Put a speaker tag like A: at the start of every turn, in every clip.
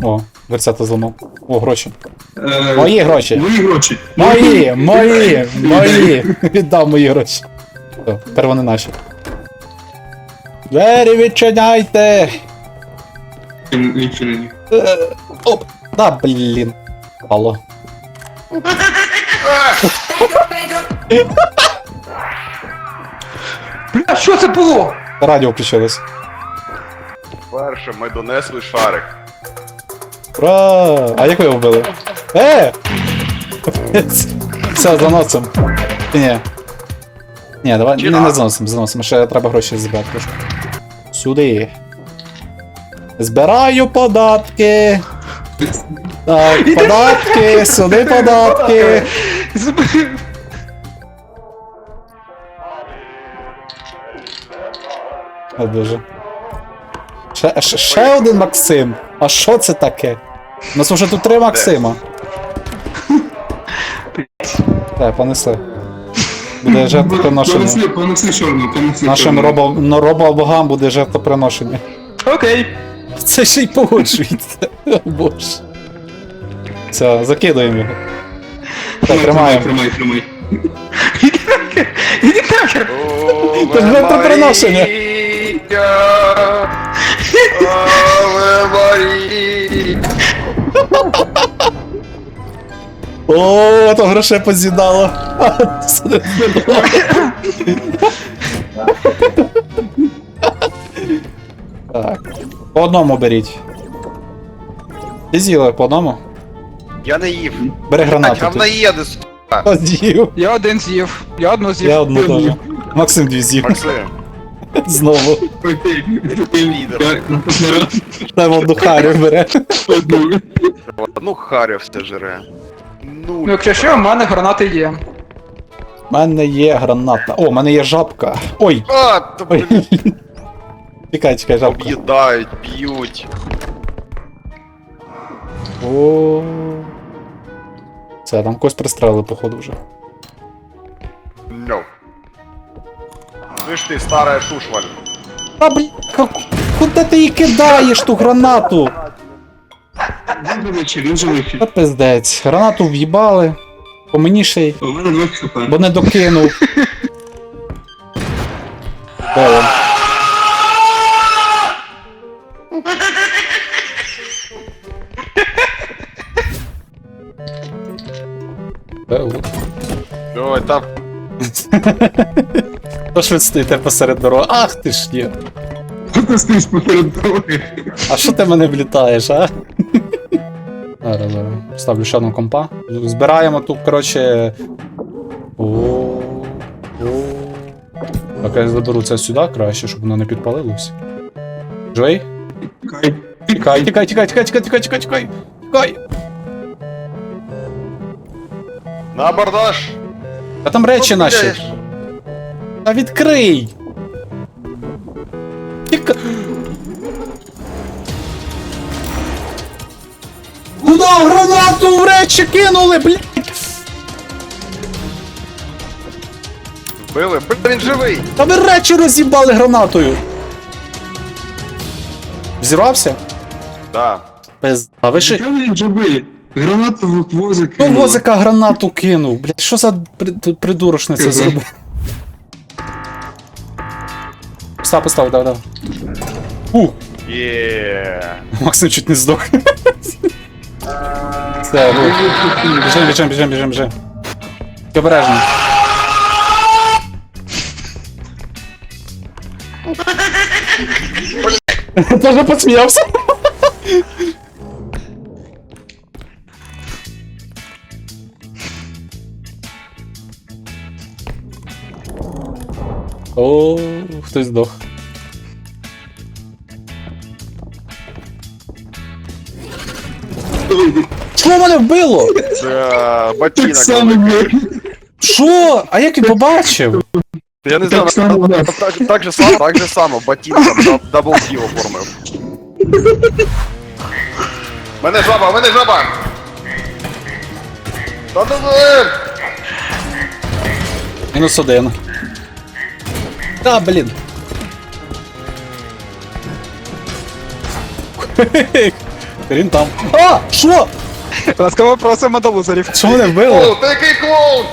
A: О, дверцята зламав. О, гроші. Мої гроші.
B: Мої гроші.
A: Мої. Віддав мої гроші. Все, тепер вони наші. Двері відчиняйте!
B: Відчинені.
A: Оп! Да, блін. Алло.
C: Бля, що це було?
A: Радіо включилось.
D: Перше, ми донесли шарик.
A: Ура! А як ви його вбили? Все, заносим. Ні. Ні, давай, не заносим. Ще треба гроші збирати трошки. Сюди. Збираю податки. Так, податки, сюди податки. О, боже. Ще один Максим. А що це таке? У нас вже тут 3 Максима. Так, понесли. Буде жертвоприношення.
B: Понесли чорну, понесли
A: Нашим
B: чорну.
A: робобогам буде жертвоприношення.
C: Окей.
A: Це ще й погоджується. О боже. Все, закидуємо його. Так, тримаємо.
B: Тримай.
C: Іди нахер.
A: Це ж жертвоприношення.
D: Аве Марія.
A: О, то грошей поз'їдало. Так. По одному беріть. Ти з'їли по одному?
D: Я не їв.
A: Бери гранату.
D: Там
A: ти.
D: наїде, сука.
A: Хто з'їв?
C: Я один з'їв. Я одну з'їв.
A: Я одну теж. Максим 2 з'їв.
D: Максим,
A: Знову.
B: Я наступний раз
A: Там одну харю бере.
B: одну.
D: ну харя все жре.
C: Ну, якщо що, в мене гранати є.
A: У мене є граната. О, у мене є жабка. Ой!
D: А, то
A: Ой.
D: блін,
A: Чекай, жабка.
D: об'їдають, б'ють.
A: О. Це, там когось пристрелили, походу, вже.
D: No. Слышь ты, старая шушваль.
A: А, блін, куди ти її кидаєш, ту гранату?
B: Він живий.
A: Та пиздець. Гранату в'їбали. По мені ще й,
B: У мене 2 хп.
A: бо не докинув. Де він? Де він?
D: Ой, там
A: То ж ви стоїте посеред дороги. Ах ти ж є.
B: Ти стоїш посеред дороги.
A: А що ти мене влітаєш, а? Зараз. Ставлю ще одну компа. Збираємо тут, коротше. О. Так, я заберу це сюди краще, щоб воно не підпалилось. Джой? Тікай.
D: на абордаж.
A: А там речі наші.
D: Гуляєш.
A: Та відкрий! Тіка... Куда гранату в речі кинули, блядь!
D: Били, блін, він живий.
A: Та ви речі роз'їбали гранатою! Взірвався?
D: Да.
A: А ви ще...
B: Чого він живий? Гранату в возик.
A: Ну, возика гранату кинув, блядь, що за придурочниця зробив? Постав, давай.
D: Є.
A: Максим чуть не здох. Все, біжим. Обережно. Тоже посміявся. О, хтось здох. Що мене вбило?
D: Це
B: Так
D: ботинок.
B: само, блядь.
A: Що? А як він побачив?
D: Я не знаю,
B: Так само, да.
D: так же само, ботинком дабл кіл оформив. Мене жаба! Та-да-да!
A: -1. Та, блін. Він там. А! Що?
C: Ласкаво просимо до лузерів.
A: Що мене вбило?
D: О, такий клоун!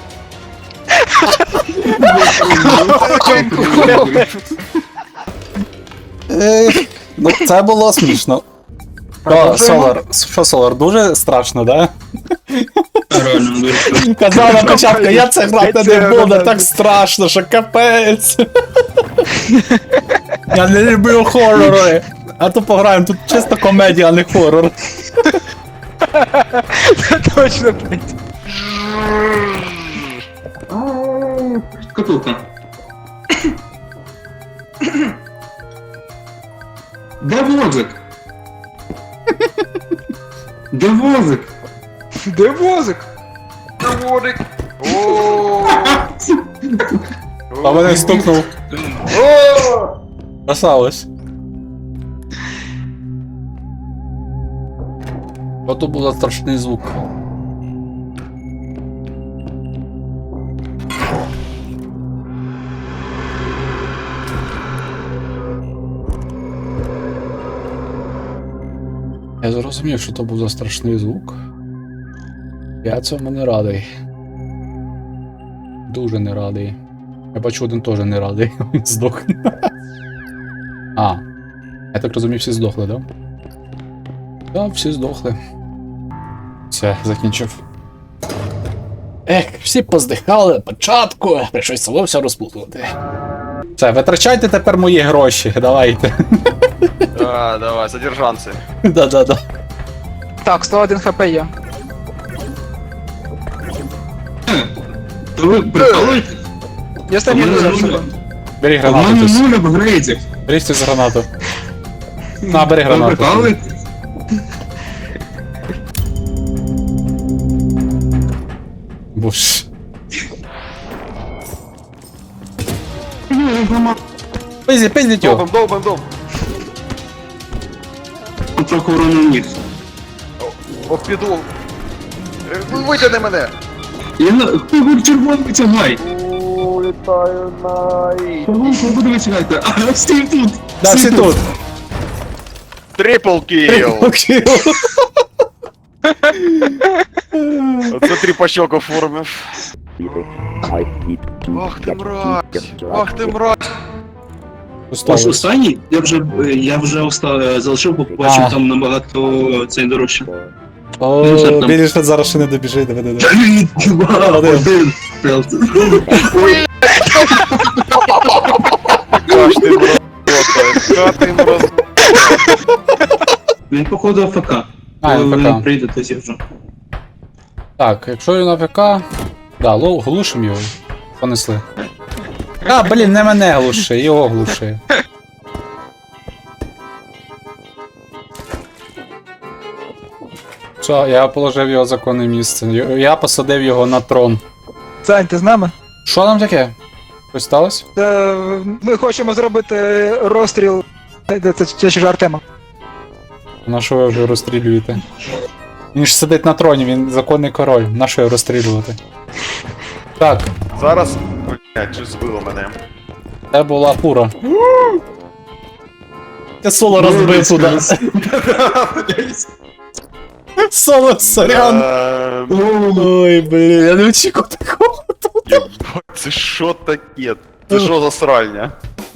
A: Ну, це було смішно. Що, Солар, дуже страшно, да?
B: Реально, дуже.
A: Казав на початку, я це грати не буду, так страшно, що капець. Я не люблю хорори. А то пограємо, тут чисто комедія, а не хорор.
C: Точно, блядь.
B: Шкатулка. Де возик? Де возик?
C: Де возик?
D: Водик. О,
A: А мене стукнув.
D: о.
A: Красавець. Ото був за страшний звук. Я зрозумів, що то був за страшний звук. Я цьому не радий. Дуже не радий. Я бачу, один теж не радий. Він здох. А. Я так розумію, всі здохли, да? Так, всі здохли. Все, закінчив. Ех, всі поздихали на початку, прийшлось село все розплутувати. Все, витрачайте тепер мої гроші, давайте.
D: Да, давай, содержанці.
A: Да-да-да.
C: Так, 101 хп є.
B: То ви прикалуєте?
C: Я стабільно
B: нуля.
A: Бери
B: У
A: гранату.
B: мене
A: Тись.
B: нуль апгрейдів.
A: Бери цю гранату. На, бери
B: Ви
A: гранату.
B: прикалуєте?
A: Буш. Пиздіть його.
D: Долбим.
B: Трохи урону ніг.
D: Ох, піду. Витягни мене.
B: Хто червоний витягай?
D: Улітаю най.
B: Кого буде витягати? А, стій тут!
A: Да, всі тут.
D: Трипл кіл.
A: Окей.
D: Оце тріпачок оформив. Ах ти мразь. Ах ти мразь.
B: Ось останній, я вже залишив, бо побачив
A: А.
B: там набагато цей дорожче.
A: О,
B: Ну, що там?
A: Біліш зараз ще не добіжить, диви.
B: 3, 2, 1.
D: Ах ти мразь. Ах ти мразь.
B: Він походу АФК.
A: А,
B: Коли
A: він
B: він
A: ФК.
B: прийде, то вже.
A: Так, якщо він АФК... Да, глушим його. Понесли. А, блін, не мене глуши, його глуши. Що, я положив його в законне місце. Я посадив його на трон.
C: Сань, ти з нами?
A: Що там таке? Щось сталося?
C: Ми хочемо зробити розстріл. Це ж Артема.
A: На що ви вже розстрілюєте? Він ж сидить на троні, він законний король. На що його розстрілювати? Так,
D: Зараз. Блять, чи збило мене.
A: це була фура. Я соло розбив туди. Соло, сорян. Ой, блін, я не очікував такого.
D: Єбать, це що таке? Це що за сральня?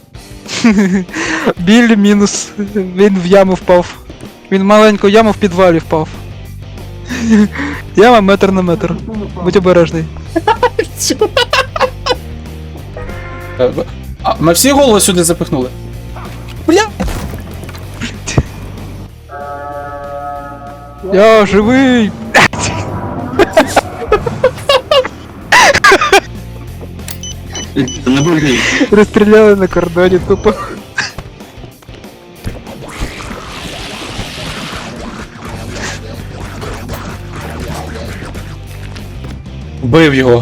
C: Біль мінус. Він в яму впав. Він в маленьку яму в підвалі впав. Яма метр на метр. Будь обережний.
A: А, ми всі голови сюди запихнули. Бля!
C: Я живий!
B: Не бульгай.
C: Розстріляли на кордоні тупо.
A: Бив його.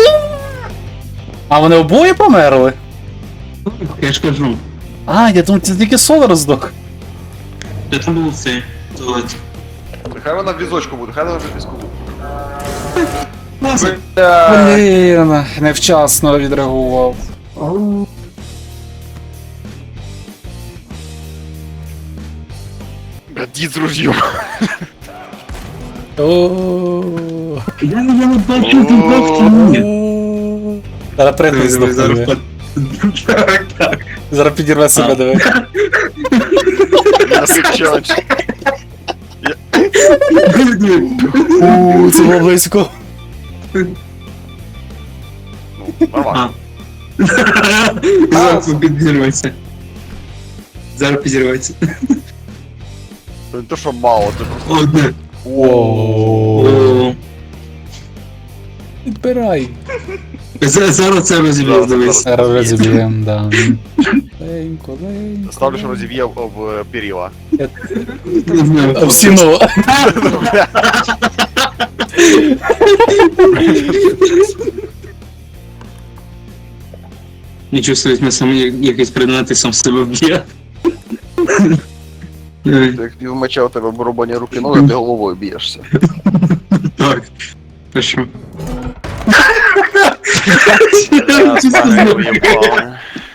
A: А вони обоє померли?
B: Я ж кажу.
A: А, я думав, це тільки Солар здох.
B: Де там був цей туалет?
D: Хай вона в візочку буде, хай вона в візочку буде.
B: Класно.
A: Блін, невчасно відреагував.
D: дід з ружьом.
A: О.
B: Я не бачу, ти бачиш, ні.
A: Зараз пригне здохне.
B: Зараз
A: диви.
B: так.
A: Зараз підірве себе, диви.
D: Я сичач.
A: Це було близько.
D: Нормально.
B: Зараз підірветься. Зараз підірветься.
D: Не то, що мало, це просто...
B: Одне.
A: Воу. Підбирай.
B: Зараз це розіб'є, дивись.
A: Зараз розіб'єм, да. Ленько, ленько.
D: Ставлю, що розів'є в перила.
B: Не знаю.
A: В стіну.
B: Нічого собі, ми самі якийсь предмети сам себе б'є.
D: Як пів меча у тебе барабані руки ноги, ти головою б'єшся.
B: Так. Хорошо.
D: Пане, уїбали.